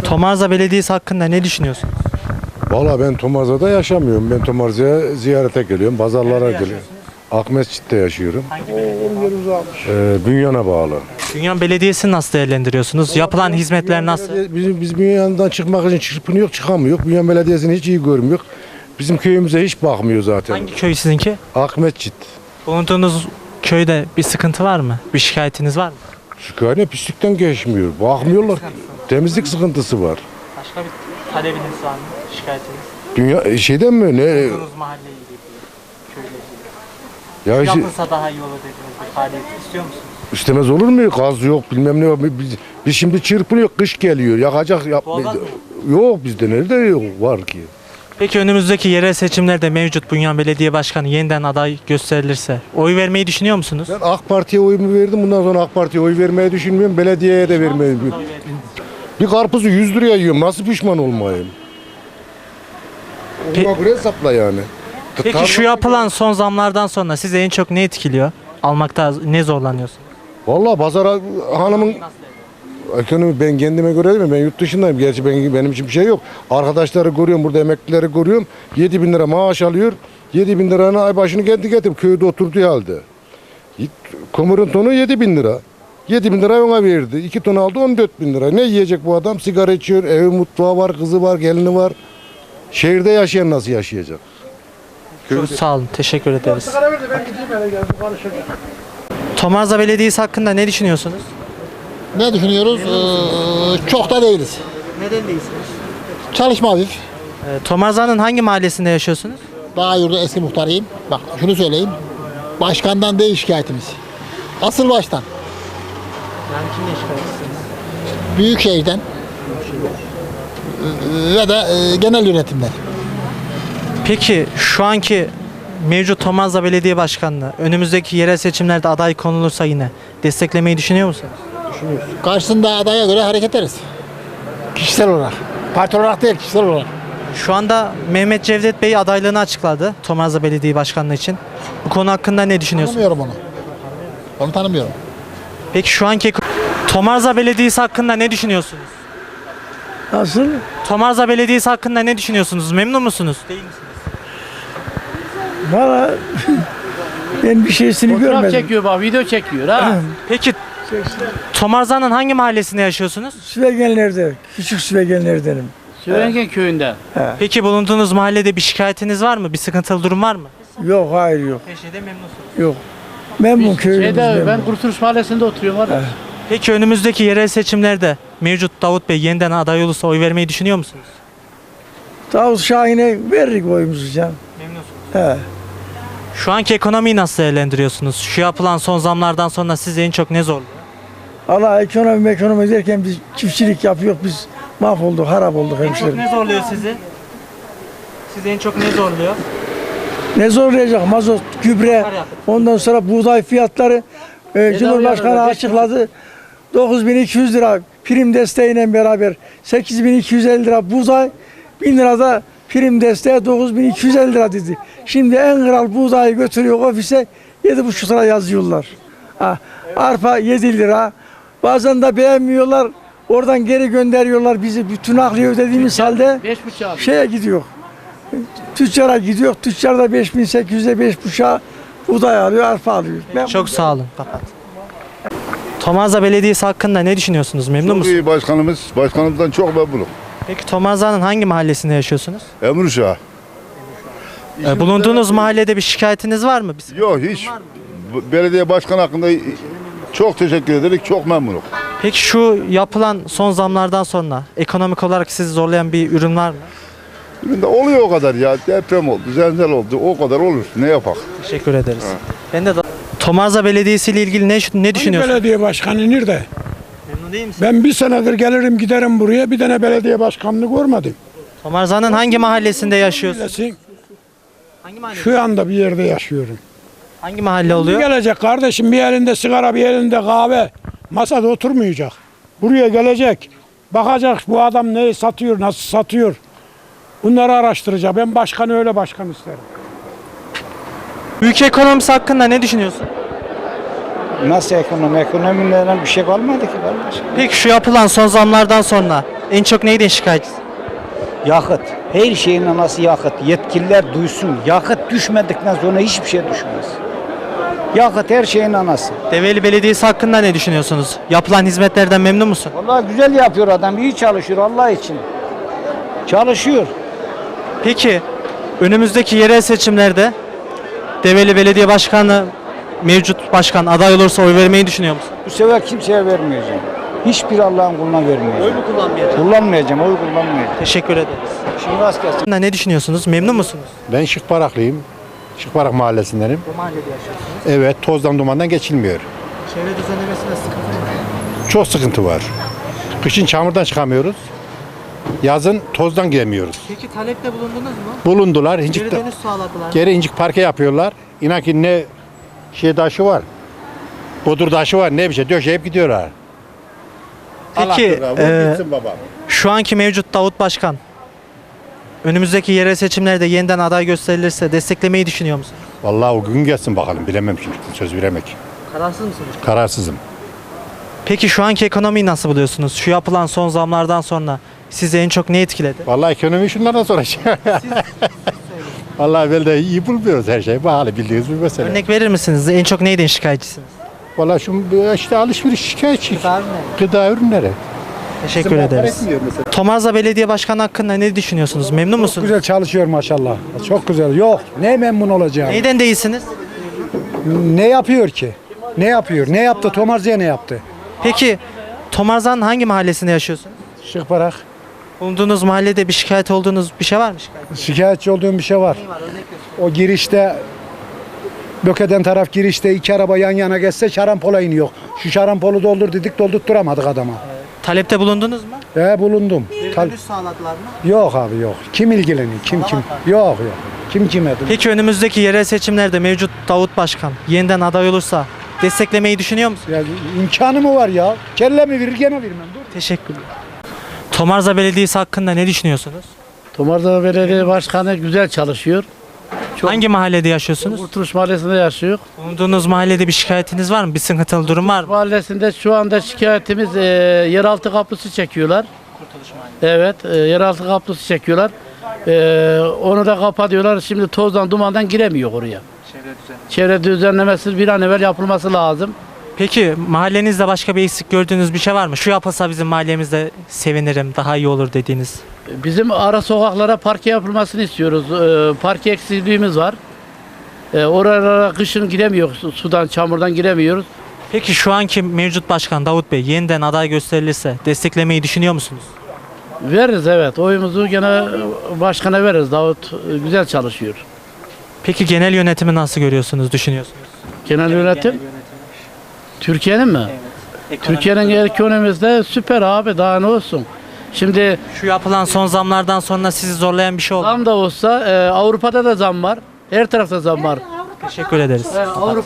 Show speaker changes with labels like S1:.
S1: Tomarza Belediyesi hakkında ne düşünüyorsunuz?
S2: Valla ben Tomarza'da yaşamıyorum. Ben Tomarza'ya ziyarete geliyorum. Pazarlara geliyorum. Akmescit'te yaşıyorum. Bünyan'a bağlı.
S1: Bünyan Belediyesi'ni nasıl değerlendiriyorsunuz? Yapılan hizmetler nasıl?
S2: Biz Bünyan'dan çıkmak için çırpınıyor, çıkamıyor. Bünyan Belediyesi'ni hiç iyi görmüyor. Bizim köyümüze hiç bakmıyor zaten.
S1: Hangi köy sizinki?
S2: Akmescit.
S1: Bulunduğunuz köyde bir sıkıntı var mı? Bir şikayetiniz var mı?
S2: Şikayet pislikten geçmiyor. Bakmıyorlar. Temizlik sıkıntısı var.
S1: Başka bir talebiniz var mı? Şikayetiniz?
S2: Dünya şeyden mi? Ne?
S1: Bulunduğunuz mahalleyle ilgili, köyle ilgili.
S2: Ya işte,
S1: Yapılsa daha iyi olur dediğiniz bir faaliyet istiyor musunuz?
S2: istemez olur mu? Gaz yok, bilmem ne yok. Biz şimdi çırpınıyor, kış geliyor. Yakacak
S1: Doğalgaz mı?
S2: yok bizde nerede yok var ki?
S1: Peki önümüzdeki yerel seçimlerde mevcut Bünyan Belediye Başkanı yeniden aday gösterilirse oy vermeyi düşünüyor musunuz?
S2: Ben AK Parti'ye oyumu verdim. Bundan sonra AK Parti'ye oy vermeyi düşünmüyorum. Belediyeye de vermeyi. Bir karpuzu 100 liraya yiyorum. Nasıl pişman olmayayım? Ona göre hesapla yani.
S1: Peki şu yapılan son zamlardan sonra sizi en çok ne etkiliyor? Almakta ne zorlanıyorsunuz?
S2: Vallahi pazara hanımın ekonomi ben kendime göre değil mi? Ben yurt dışındayım. Gerçi benim için bir şey yok. Arkadaşları görüyorum, burada emeklileri görüyorum. 7.000 lira maaş alıyor. 7.000 liranın ay başını kendi getirip köyde oturduğu halde. Kömürün tonu 7.000 lira. 7.000 lira ona verdi. 2 ton aldı 14.000 lira. Ne yiyecek bu adam? Sigara içiyor, evi mutfağı var, kızı var, gelini var. Şehirde yaşayan nasıl yaşayacak?
S1: Çok sağ olun. Teşekkür ederiz. Tomarza Belediyesi hakkında ne düşünüyorsunuz?
S3: Ne düşünüyoruz? Çok da değiliz.
S1: Neden değilsiniz?
S3: Çalışma hafif.
S1: Tomarza'nın hangi mahallesinde yaşıyorsunuz?
S3: Bağyur'da eski muhtarıyım. Bak şunu söyleyeyim. Başkandan değil şikayetimiz. Asıl baştan.
S1: Yani kimle şikayetçisiniz?
S3: Büyükşehir'den ve de genel yönetimden.
S1: Peki şu anki mevcut Tomarza Belediye Başkanlığı önümüzdeki yerel seçimlerde aday konulursa yine desteklemeyi düşünüyor musunuz?
S3: Karşısında adaya göre hareket ederiz. Kişisel olarak. Parti olarak değil, kişisel olarak.
S1: Şu anda Mehmet Cevdet Bey adaylığını açıkladı Tomarza Belediye Başkanlığı için. Bu konu hakkında ne düşünüyorsunuz?
S3: Tanımıyorum onu. Onu tanımıyorum.
S1: Peki şu anki Tomarza Belediyesi hakkında ne düşünüyorsunuz?
S4: Nasıl?
S1: Tomarza Belediyesi hakkında ne düşünüyorsunuz? Memnun musunuz? Değil misiniz?
S4: Valla ben bir şeysini
S5: Fotoğraf
S4: görmedim.
S5: çekiyor bak, video çekiyor ha.
S1: Peki Tomarza'nın hangi mahallesinde yaşıyorsunuz?
S4: Süvegenlerde, küçük süvegenlerdenim.
S5: Sürengen köyünde.
S1: Peki bulunduğunuz mahallede bir şikayetiniz var mı? Bir sıkıntılı durum var mı?
S4: Yok, hayır yok.
S1: Her şeyde memnunsunuz.
S4: Yok. Memnun köyümüz
S5: Şeyde,
S4: memnun.
S5: ben Kurtuluş Mahallesi'nde oturuyorum var.
S1: Peki önümüzdeki yerel seçimlerde mevcut Davut Bey yeniden aday olursa oy vermeyi düşünüyor musunuz?
S4: Davut Şahin'e veririk oyumuzu canım.
S1: Memnunsunuz.
S4: He.
S1: Şu anki ekonomiyi nasıl değerlendiriyorsunuz? Şu yapılan son zamlardan sonra sizi en çok ne zorluyor?
S4: Allah ekonomi derken biz çiftçilik yapıyoruz, biz mahvolduk, harap olduk
S1: En çok
S4: hemşerim.
S1: ne zorluyor sizi? Sizi en çok ne zorluyor?
S4: Ne zorlayacak? Mazot, gübre, ondan sonra buğday fiyatları. Cumhurbaşkanı
S5: yararlı,
S4: açıkladı. 9.200 lira prim desteğiyle beraber 8.250 lira buğday, 1000 lira da prim desteği 9.250 lira dedi. Şimdi en kral buğdayı götürüyor ofise 7,5 lira yazıyorlar. Ha, arpa 7 lira. Bazen de beğenmiyorlar. Oradan geri gönderiyorlar bizi. Bütün nakliye ödediğimiz halde
S5: 5,5 abi.
S4: şeye gidiyor. Tüccara gidiyor. Tüccar da 5.800'e 5,5'a buğday alıyor, arpa alıyor. Ben
S1: Çok sağ olun. Kapat. Tomarza Belediyesi hakkında ne düşünüyorsunuz? Memnun
S6: Çok
S1: musunuz?
S6: iyi başkanımızdan çok memnunum.
S1: Peki Tomarza'nın hangi mahallesinde yaşıyorsunuz?
S6: Emruşah.
S1: Bulunduğunuz mahallede bir şikayetiniz var mı?
S6: Yok hiç. Belediye başkanı hakkında çok teşekkür ederim. Çok memnunum.
S1: Peki şu yapılan son zamlardan sonra ekonomik olarak sizi zorlayan bir ürün var mı?
S6: Üründe oluyor o kadar ya. Deprem oldu, zelzel oldu. O kadar olur. Ne yapak?
S1: Teşekkür ederiz. Ben de Tomarza Belediyesi ile ilgili ne düşünüyorsunuz?
S7: Belediye başkanı nerede?
S1: Memnun değil misiniz?
S7: Ben bir senedir gelirim giderim buraya bir tane belediye başkanını görmedim.
S1: Tomarza'nın hangi mahallesinde yaşıyorsunuz?
S7: Bilesin,
S1: Hangi mahalle?
S7: şu anda bir yerde yaşıyorum.
S1: Hangi mahalle
S7: Bir
S1: oluyor?
S7: gelecek kardeşim bir elinde sigara bir elinde kahve masada oturmayacak. Buraya gelecek bakacak bu adam neyi satıyor nasıl satıyor. Bunları araştıracak. Ben başkanı öyle başkan isterim.
S1: Ülke ekonomisi hakkında ne düşünüyorsun?
S8: Nasıl ekonomi? Ekonomiden bir şey kalmadı ki kardeş.
S1: Peki şu yapılan son zamlardan sonra en çok neyden şikayetçisiniz?
S8: Yakıt. Her şeyin anası yakıt. Yetkililer duysun. Yakıt düşmedikten sonra hiçbir şey düşmez. Yakıt her şeyin anası.
S1: Develi Belediyesi hakkında ne düşünüyorsunuz? Yapılan hizmetlerden memnun musun?
S8: Vallahi güzel yapıyor adam. İyi çalışıyor Allah için. Çalışıyor.
S1: Peki önümüzdeki yerel seçimlerde Develi Belediye Başkanı mevcut başkan aday olursa oy vermeyi düşünüyor musun?
S8: Bu sefer kimseye vermeyeceğim. Hiçbir Allah'ın kuluna vermeyeceğim.
S1: kullanmayacak?
S8: Kullanmayacağım, oy kullanmayacağım.
S1: Teşekkür ederiz.
S8: Şimdi rast gelsin.
S1: Ne düşünüyorsunuz? Memnun musunuz?
S9: Ben Şıkbaraklıyım. Şıkbarak mahallesindenim.
S1: Bu mahallede yaşıyorsunuz.
S9: Evet, tozdan dumandan geçilmiyor.
S1: Çevre düzenlemesinde sıkıntı var.
S9: Çok sıkıntı var. Kışın çamurdan çıkamıyoruz. Yazın tozdan giremiyoruz.
S1: Peki talepte bulundunuz mu?
S9: Bulundular.
S1: Geri dönüş sağladılar.
S9: Geri incik parke yapıyorlar. İnan ki ne şey taşı var. Bodur taşı var. Ne bir şey döşeyip gidiyorlar.
S1: Peki
S9: Baba.
S1: şu anki mevcut Davut Başkan önümüzdeki yerel seçimlerde yeniden aday gösterilirse desteklemeyi düşünüyor musun?
S9: Vallahi o gün gelsin bakalım. Bilemem şimdi. Söz veremek.
S1: Kararsız mısınız?
S9: Kararsızım.
S1: Peki şu anki ekonomiyi nasıl buluyorsunuz? Şu yapılan son zamlardan sonra sizi en çok ne etkiledi?
S9: Vallahi ekonomi şunlardan sonra. Vallahi böyle de iyi bulmuyoruz her şeyi. Pahalı bildiğiniz bir mesele.
S1: Örnek verir misiniz? En çok neyden şikayetçisiniz?
S9: Vallahi şu işte alışveriş şikayetçi. Gıda ürünleri.
S1: Teşekkür ederiz. Tomarza Belediye Başkanı hakkında ne düşünüyorsunuz? Memnun musunuz?
S7: Güzel çalışıyor maşallah. Çok güzel. Yok. Ne memnun olacağım.
S1: Neyden değilsiniz?
S7: Ne yapıyor ki? Ne yapıyor? Ne yaptı? Tomarza'ya ne yaptı?
S1: Peki Tomarza'nın hangi mahallesinde yaşıyorsunuz?
S7: Şıkbarak.
S1: Bulunduğunuz mahallede bir şikayet olduğunuz bir şey var mı şikayet?
S7: Şikayetçi olduğum bir şey var. O girişte Böke'den taraf girişte iki araba yan yana geçse şarampola iniyor. Şu şarampolu doldur dedik doldurtturamadık adama.
S1: Talepte bulundunuz mu?
S7: Bulundum.
S1: Sağladılar mı?
S7: Yok abi yok. Kim ilgileniyor? Kim? Yok. Kim kime?
S1: Peki önümüzdeki yerel seçimlerde mevcut Davut Başkan yeniden aday olursa desteklemeyi düşünüyor musun?
S7: Ya, imkanı mı var ya? Kelle mi verir gene vermem. Dur.
S1: Teşekkürler. Tomarza Belediyesi hakkında ne düşünüyorsunuz?
S5: Tomarza Belediye Başkanı güzel çalışıyor. Çok
S1: Hangi mahallede yaşıyorsunuz?
S5: Kurtuluş Mahallesi'nde yaşıyor.
S1: Bulunduğunuz mahallede bir şikayetiniz var mı? Bir sıkıntılı durum var mı?
S5: Mahallesinde şu anda şikayetimiz yeraltı kaplısı çekiyorlar. Evet, yeraltı kaplısı çekiyorlar. Onu da kapatıyorlar. Şimdi tozdan dumandan giremiyor oraya. Çevre düzenlemesi bir an evvel yapılması lazım.
S1: Peki mahallenizde başka bir eksik gördüğünüz bir şey var mı? Şu yapılsa bizim mahallemizde sevinirim, daha iyi olur dediğiniz.
S5: Bizim ara sokaklara parke yapılmasını istiyoruz. Parke eksikliğimiz var. Oralara kışın giremiyoruz. Sudan, çamurdan giremiyoruz.
S1: Peki şu anki mevcut başkan Davut Bey yeniden aday gösterilirse desteklemeyi düşünüyor musunuz?
S5: Veririz evet. Oyumuzu gene başkana veririz. Davut güzel çalışıyor.
S1: Peki genel yönetimi nasıl görüyorsunuz, düşünüyorsunuz?
S5: Genel yönetim. Türkiye'nin mi? Türkiye'nin ekonomisi de süper abi. Daha ne olsun? Şimdi
S1: Şu yapılan son zamlardan sonra sizi zorlayan bir şey oldu mu?
S5: zam da olsa Avrupa'da da zam var. Her tarafta zam var.
S1: Teşekkür ederiz.